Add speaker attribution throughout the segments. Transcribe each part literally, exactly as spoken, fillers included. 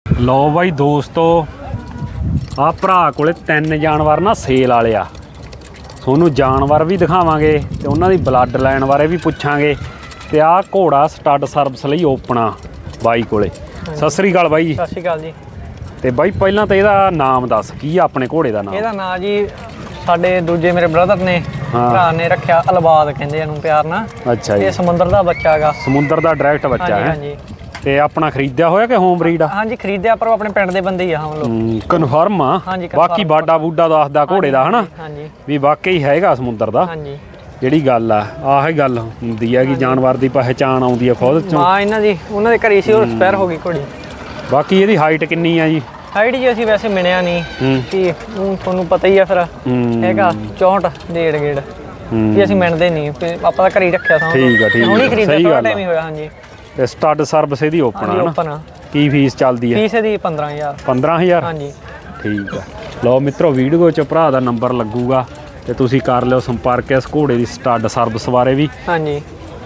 Speaker 1: ਲਓ ਬਾਈ ਦੋਸਤੋ, ਆ ਭਰਾ ਕੋਲੇ ਤਿੰਨ ਜਾਨਵਰ ਨਾ ਸੇਲ ਵਾਲੇ ਆ। ਤੁਹਾਨੂੰ ਜਾਨਵਰ ਵੀ ਦਿਖਾਵਾਂਗੇ ਤੇ ਉਹਨਾਂ ਦੀ ਬਲੱਡ ਲਾਈਨ ਬਾਰੇ ਵੀ ਪੁੱਛਾਂਗੇ। ਤੇ ਆਹ ਘੋੜਾ ਸਟੱਡ ਸਰਵਿਸ ਲਈ ਓਪਨਾ ਬਾਈ ਕੋਲੇ। ਸਤਿ ਸ੍ਰੀ ਅਕਾਲ ਬਾਈ ਜੀ।
Speaker 2: ਸਤਿ ਸ਼੍ਰੀ ਅਕਾਲ ਜੀ। ਤੇ
Speaker 1: ਬਾਈ ਪਹਿਲਾਂ ਤਾਂ ਇਹਦਾ ਨਾਮ ਦੱਸ, ਕੀ ਆ ਆਪਣੇ ਘੋੜੇ ਦਾ ਨਾਮ?
Speaker 2: ਇਹਦਾ ਨਾਮ ਜੀ ਸਾਡੇ ਦੂਜੇ ਮੇਰੇ ਬ੍ਰਦਰ ਨੇ ਭਰਾ ਨੇ ਰੱਖਿਆ ਅਲਬਾਦ, ਕਹਿੰਦੇ ਇਹਨੂੰ ਪਿਆਰ ਨਾਲ।
Speaker 1: ਅੱਛਾ ਜੀ।
Speaker 2: ਇਹ ਸਮੁੰਦਰ ਦਾ ਬੱਚਾ ਹੈਗਾ। ਸਮੁੰਦਰ
Speaker 1: ਦਾ ਡਾਇਰੈਕਟ ਬੱਚਾ ਹੈ।
Speaker 2: ਹਾਂਜੀ।
Speaker 1: ਤੇ ਆਪਣਾ ਖਰੀਦਿਆ ਹੋਇਆ ਕਿ ਹੋਮ ਬਰੀਡ ਆ?
Speaker 2: ਹਾਂਜੀ ਖਰੀਦਿਆ, ਪਰ ਉਹ ਆਪਣੇ ਪਿੰਡ ਦੇ ਬੰਦੇ ਹੀ ਆ ਹਮ ਲੋਕ।
Speaker 1: ਕਨਫਰਮ ਆ? ਬਾਕੀ ਬਾਡਾ ਬੂਡਾ ਦੱਸਦਾ ਘੋੜੇ ਦਾ ਹਨਾ
Speaker 2: ਹਾਂਜੀ
Speaker 1: ਵੀ ਵਾਕਈ ਹੈਗਾ ਸਮੁੰਦਰ ਦਾ।
Speaker 2: ਹਾਂਜੀ।
Speaker 1: ਜਿਹੜੀ ਗੱਲ ਆ ਆਹ ਹੀ ਗੱਲ ਹੁੰਦੀ ਹੈ ਕਿ ਜਾਨਵਰ ਦੀ ਪਹਿਚਾਣ ਆਉਂਦੀ ਆ ਖੁਦ ਚੋਂ।
Speaker 2: ਹਾਂ ਇਹਨਾਂ ਦੀ ਉਹਨਾਂ ਦੇ ਘਰੇ ਸੀ, ਉਹ ਐਕਸਪਾਇਰ ਹੋ ਗਈ ਘੋੜੀ।
Speaker 1: ਬਾਕੀ ਇਹਦੀ ਹਾਈਟ ਕਿੰਨੀ ਆ ਜੀ?
Speaker 2: ਹਾਈਟ ਜੀ ਅਸੀਂ ਵੈਸੇ ਮਿਲਿਆ ਨਹੀਂ ਕਿ ਤੁਹਾਨੂੰ ਪਤਾ ਹੀ ਆ ਫਿਰ ਹੈਗਾ ਚੌਂਹਠ ਡੇਢ ਗੇੜ ਵੀ ਅਸੀਂ ਮਿਲਦੇ ਨਹੀਂ, ਆਪਾਂ ਤਾਂ ਘਰੇ ਹੀ ਰੱਖਿਆ ਸਾਂ।
Speaker 1: ਠੀਕ ਆ ਠੀਕ ਆ,
Speaker 2: ਹੁਣੀ ਖਰੀਦਿਆ, ਥੋੜਾ ਟਾਈਮ ਹੀ ਹੋਇਆ। ਹਾਂਜੀ।
Speaker 1: ਤੇ ਸਟੱਡ ਸਰਵਿਸ ਇਹਦੀ ਓਪਨ ਆ
Speaker 2: ਓਪਨ।
Speaker 1: ਕੀ ਫੀਸ ਚੱਲਦੀ ਹੈ?
Speaker 2: ਫੀਸ ਇਹਦੀ ਪੰਦਰਾਂ ਹਜ਼ਾਰ।
Speaker 1: ਪੰਦਰਾਂ ਹਜ਼ਾਰ? ਹਾਂਜੀ ਠੀਕ ਆ। ਲਓ ਮਿੱਤਰੋ, ਵੀਡੀਓ 'ਚ ਭਰਾ ਦਾ ਨੰਬਰ ਲੱਗੂਗਾ ਤੇ ਤੁਸੀਂ ਕਰ ਲਿਓ ਸੰਪਰਕ ਇਸ ਘੋੜੇ ਦੀ ਸਟੱਡ ਸਰਵਿਸ ਬਾਰੇ ਵੀ।
Speaker 2: ਹਾਂਜੀ।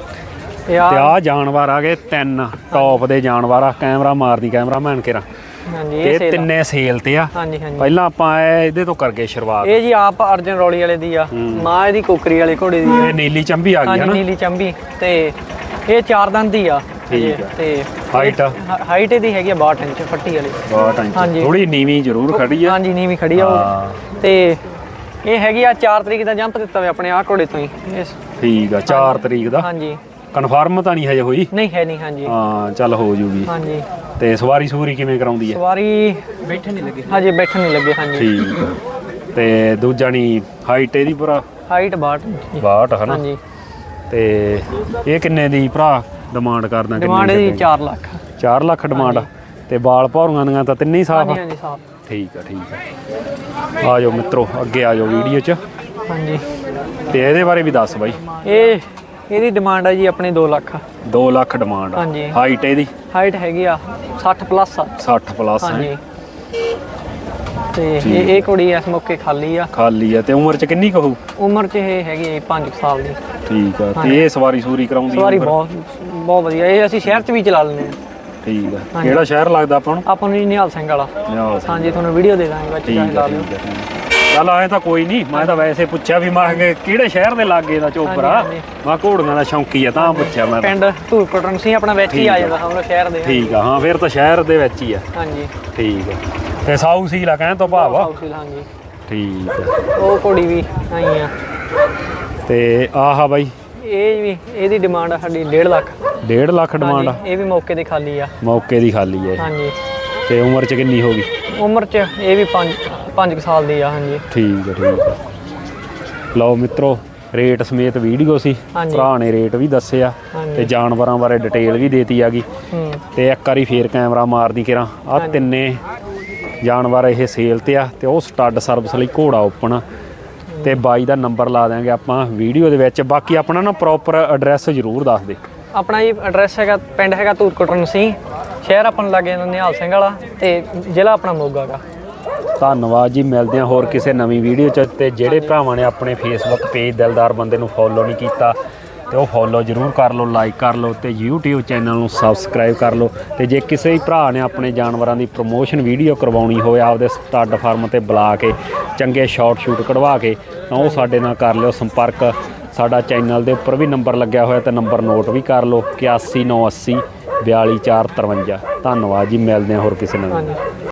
Speaker 1: ਤੇ ਆਹ ਜਾਨਵਰ ਆ ਗਏ ਤਿੰਨ ਟੌਪ ਦੇ ਜਾਨਵਰ ਆ। ਕੈਮਰਾ ਮਾਰਦੀ ਕੈਮਰਾਮੈਨ ਕੇਰਾ।
Speaker 2: ਹਾਂਜੀ।
Speaker 1: ਇਹ ਤਿੰਨੇ ਸੇਲ ਤੇ ਆ।
Speaker 2: ਹਾਂਜੀ ਹਾਂਜੀ।
Speaker 1: ਪਹਿਲਾਂ ਆਪਾਂ ਇਹਦੇ ਤੋਂ ਕਰਕੇ ਸ਼ੁਰੂਆਤ।
Speaker 2: ਇਹ ਜੀ ਆਪ ਅਰਜਨ ਰੌਲੀ ਵਾਲੇ ਦੀ ਆ, ਮਾਂ ਇਹਦੀ ਕੋਕਰੀ ਵਾਲੇ ਘੋੜੇ ਦੀ।
Speaker 1: ਇਹ ਨੀਲੀ ਚੰਬੀ ਆ ਗਈ ਹੈ ਨਾ?
Speaker 2: ਨੀਲੀ ਚੰਬੀ। ਤੇ ਇਹ ਚਾਰ ਦੰਦ ਦੀ ਆ।
Speaker 1: ਠੀਕ ਆ।
Speaker 2: ਤੇ
Speaker 1: ਹਾਈਟ
Speaker 2: ਹਾਈਟ ਇਹਦੀ ਹੈਗੀ ਆ ਬਾਹਠ ਇੰਚ ਫੱਟੀ ਵਾਲੀ।
Speaker 1: ਬਾਹਠ ਇੰਚ। ਹਾਂਜੀ। ਥੋੜੀ ਨੀਵੀਂ ਜ਼ਰੂਰ ਖੜੀ ਆ।
Speaker 2: ਹਾਂਜੀ ਨੀਵੀਂ ਖੜੀ ਆ ਉਹ। ਤੇ ਇਹ ਹੈਗੀ ਆ ਚਾਰ ਤਰੀਕ ਦਾ ਜੰਪ ਦਿੱਤਾ ਵੇ ਆਪਣੇ ਆਹ ਘੋੜੇ ਤੋਂ ਹੀ।
Speaker 1: ਠੀਕ ਆ, ਚਾਰ ਤਰੀਕ ਦਾ।
Speaker 2: ਹਾਂਜੀ।
Speaker 1: ਕਨਫਰਮ ਤਾਂ ਨਹੀਂ ਹਜੇ ਹੋਈ?
Speaker 2: ਨਹੀਂ ਹੈ ਨਹੀਂ। ਹਾਂਜੀ
Speaker 1: ਹਾਂ ਚੱਲ ਹੋ ਜੂਗੀ।
Speaker 2: ਹਾਂਜੀ।
Speaker 1: ਤੇ ਸਵਾਰੀ ਸੂਰੀ ਕਿਵੇਂ ਕਰਾਉਂਦੀ ਹੈ?
Speaker 2: ਸਵਾਰੀ ਬੈਠਣ ਨਹੀਂ ਲੱਗੇ ਹਜੇ, ਬੈਠਣ ਨਹੀਂ ਲੱਗੇ। ਹਾਂਜੀ
Speaker 1: ਠੀਕ ਆ। ਤੇ ਦੂਜਾ ਨਹੀਂ ਹਾਈਟ ਇਹਦੀ ਭਰਾ?
Speaker 2: ਹਾਈਟ ਬਾਹਠ
Speaker 1: ਬਾਹਠ ਹੈ ਨਾ?
Speaker 2: ਹਾਂਜੀ।
Speaker 1: ਤੇ ਇਹ ਕਿੰਨੇ ਦੀ ਭਰਾ ਡਿਮਾਂਡ ਕਰਦਾ?
Speaker 2: ਡਿਮਾਂਡ ਇਹਦੀ ਚਾਰ ਲੱਖ।
Speaker 1: ਚਾਰ ਲੱਖ ਡਿਮਾਂਡ। ਤੇ ਬਾਲ ਭੌਰੀਆਂ ਦੀਆਂ ਤਾਂ ਤਿੰਨੇ ਹੀ ਸਾਫ ਆ?
Speaker 2: ਹਾਂਜੀ ਸਾਫ।
Speaker 1: ਠੀਕ ਆ ਠੀਕ ਆ। ਆ ਜਾਓ ਮਿੱਤਰੋ, ਅੱਗੇ ਆ ਜਾਓ ਵੀਡੀਓ 'ਚ।
Speaker 2: ਹਾਂਜੀ।
Speaker 1: ਤੇ ਇਹਦੇ ਬਾਰੇ ਵੀ ਦੱਸ ਬਾਈ।
Speaker 2: ਇਹ ਇਹਦੀ ਡਿਮਾਂਡ ਹੈ ਜੀ ਆਪਣੀ ਦੋ ਲੱਖ।
Speaker 1: ਦੋ ਲੱਖ ਡਿਮਾਂਡ।
Speaker 2: ਹਾਂਜੀ।
Speaker 1: ਹਾਈਟ ਇਹਦੀ?
Speaker 2: ਹਾਈਟ ਹੈਗੀ ਆ ਸੱਠ ਪਲੱਸ ਆ।
Speaker 1: ਸੱਠ ਪਲੱਸ।
Speaker 2: ਹਾਂਜੀ। ਤੇ ਇਹ ਇਹ ਕੁੜੀ ਇਸ ਮੌਕੇ ਖਾਲੀ ਆ।
Speaker 1: ਖਾਲੀ ਆ। ਤੇ ਉਮਰ 'ਚ ਕਿੰਨੀ ਕਹੂ?
Speaker 2: ਉਮਰ 'ਚ ਇਹ ਹੈਗੀ ਹੈ ਪੰਜ ਸਾਲ ਦੀ।
Speaker 1: ਠੀਕ ਆ। ਤੇ ਇਹ ਸਵਾਰੀ ਸੂਰੀ ਕਰਾਉਂਦੀ?
Speaker 2: ਸਵਾਰੀ ਬਹੁਤ ਬਹੁਤ ਵਧੀਆ। ਇਹ ਅਸੀਂ ਸ਼ਹਿਰ 'ਚ ਵੀ ਚਲਾ ਲੈਂਦੇ ਹਾਂ।
Speaker 1: ਠੀਕ ਆ। ਕਿਹੜਾ ਸ਼ਹਿਰ ਲੱਗਦਾ ਆਪਾਂ ਨੂੰ?
Speaker 2: ਆਪਾਂ ਨੂੰ ਨਿਹਾਲ ਸਿੰਘ ਵਾਲਾ। ਹਾਂਜੀ, ਤੁਹਾਨੂੰ ਵੀਡੀਓ ਦੇ ਦਾਂਗੇ ਵਿੱਚ ਜਾ ਕੇ ਲਾ ਲਿਓ।
Speaker 1: ਚੱਲ ਆਏ ਤਾਂ ਕੋਈ ਨਹੀਂ, ਮੈਂ ਤਾਂ ਵੈਸੇ ਪੁੱਛਿਆ ਵੀ ਮੈਂ ਕਿਹੜੇ ਸ਼ਹਿਰ ਦੇ ਲਾਗੇ ਦਾ ਚੋਪਰ ਆ। ਮੈਂ ਘੋੜੀਆਂ ਦਾ ਸ਼ੌਂਕੀ ਆ ਤਾਂ ਪੁੱਛਿਆ ਮੈਂ।
Speaker 2: ਪਿੰਡ ਧੂਰਕੋਟਨ ਸੀ ਆਪਣਾ, ਵਿੱਚ ਹੀ ਆ ਜਾਂਦਾ ਹਮਰਾ ਸ਼ਹਿਰ ਦੇ।
Speaker 1: ਠੀਕ ਆ। ਹਾਂ ਫਿਰ ਤਾਂ ਸ਼ਹਿਰ ਦੇ ਵਿੱਚ ਹੀ ਆ।
Speaker 2: ਹਾਂਜੀ
Speaker 1: ਠੀਕ ਆ। ਤੇ ਸਾਊ ਸੀਲ ਆ ਕਹਿਣ ਤੋਂ ਭਾਵ ਆ?
Speaker 2: ਹਾਂਜੀ
Speaker 1: ਠੀਕ ਆ।
Speaker 2: ਉਹ ਘੋੜੀ ਵੀ ਆਈ ਆ।
Speaker 1: ਤੇ ਆਹ ਬਾਈ
Speaker 2: ਇਹ ਵੀ ਇਹਦੀ ਡਿਮਾਂਡ ਆ ਸਾਡੀ ਡੇਢ ਲੱਖ।
Speaker 1: ਡੇਢ ਲੱਖ ਡਿਮਾਂਡ ਆ?
Speaker 2: ਇਹ ਵੀ ਮੌਕੇ ਦੀ ਖਾਲੀ ਆ।
Speaker 1: ਮੌਕੇ ਦੀ ਖਾਲੀ ਆ? ਹਾਂਜੀ। ਤੇ ਉਮਰ 'ਚ ਕਿੰਨੀ ਹੋ ਗਈ? ਉਮਰ 'ਚ ਇਹ ਵੀ ਪੰਜ ਪੰਜ ਸਾਲ ਦੀ ਆ। ਹਾਂਜੀ ਠੀਕ ਆ ਠੀਕ ਆ। ਲਓ ਮਿੱਤਰੋ, ਰੇਟ ਸਮੇਤ ਵੀਡੀਓ ਸੀ। ਭਰਾ ਨੇ ਰੇਟ ਵੀ ਦੱਸਿਆ ਤੇ ਜਾਨਵਰਾਂ ਬਾਰੇ ਡਿਟੇਲ ਵੀ ਦੇਤੀ ਹੈਗੀ। ਤੇ ਇੱਕ ਵਾਰੀ ਫੇਰ ਕੈਮਰਾ ਮਾਰਦੀ ਕਿਰਾਂ। ਆ ਤਿੰਨੇ ਜਾਨਵਰ ਇਹ ਸੇਲ ਤੇ ਆ ਤੇ ਉਹ ਸਟੱਡ ਸਰਵਿਸ ਲਈ ਘੋੜਾ ਓਪਨ। ਤੇ ਬਾਈ ਦਾ ਨੰਬਰ ਲਾ ਦਿਆਂਗੇ ਆਪਾਂ ਵੀਡੀਓ ਦੇ ਵਿੱਚ। ਬਾਕੀ ਆਪਣਾ ਨਾ ਪ੍ਰੋਪਰ ਐਡਰੈਸ ਜ਼ਰੂਰ ਦੱਸ ਦੇ। ਆਪਣਾ ਜੀ ਐਡਰੈਸ ਹੈਗਾ, ਪਿੰਡ ਹੈਗਾ ਧੂਰਕੋਟਨ ਸੀ, ਸ਼ਹਿਰ ਆਪਾਂ ਨੂੰ ਲੱਗੇ ਨਿਹਾਲ ਸਿੰਘ ਵਾਲਾ, ਤੇ ਜ਼ਿਲ੍ਹਾ ਆਪਣਾ ਮੋਗਾ ਗਾ। ਧੰਨਵਾਦ ਜੀ। ਮਿਲਦੇ ਹਾਂ ਹੋਰ ਕਿਸੇ ਨਵੀਂ ਵੀਡੀਓ 'ਚ। ਤੇ ਜਿਹੜੇ ਭਰਾਵਾਂ ਨੇ ਆਪਣੇ ਫੇਸਬੁੱਕ ਪੇਜ ਦਿਲਦਾਰ ਬੰਦੇ ਨੂੰ ਫੋਲੋ ਨਹੀਂ ਕੀਤਾ ਤੇ ਉਹ ਫੋਲੋ ਜ਼ਰੂਰ ਕਰ ਲਓ, ਲਾਈਕ ਕਰ ਲਓ ਤੇ ਯੂਟਿਊਬ ਚੈਨਲ ਨੂੰ ਸਬਸਕ੍ਰਾਈਬ ਕਰ ਲਓ। ਤੇ ਜੇ ਕਿਸੇ ਵੀ ਭਰਾ ਨੇ ਆਪਣੇ ਜਾਨਵਰਾਂ ਦੀ ਪ੍ਰਮੋਸ਼ਨ ਵੀਡੀਓ ਕਰਵਾਉਣੀ ਹੋਵੇ ਆਪਦੇ ਸਟੱਡ ਫਾਰਮ ਤੇ ਬੁਲਾ ਕੇ ਚੰਗੇ ਸ਼ਾਰਟ ਸ਼ੂਟ ਕਢਵਾ ਕੇ, ਤਾਂ ਉਹ ਸਾਡੇ ਨਾਲ ਕਰ ਲਿਓ ਸੰਪਰਕ। ਸਾਡਾ ਚੈਨਲ ਦੇ ਉੱਪਰ ਵੀ ਨੰਬਰ ਲੱਗਿਆ ਹੋਇਆ ਤੇ ਨੰਬਰ ਨੋਟ ਵੀ ਕਰ ਲਓ, ਇਕਾਸੀ ਨੌ ਅੱਸੀ ਬਿਆਲੀ ਚਾਰ ਤਰਵੰਜਾ। ਧੰਨਵਾਦ ਜੀ। ਮਿਲਦੇ ਹਾਂ ਹੋਰ ਕਿਸੇ ਨਵੀਂ।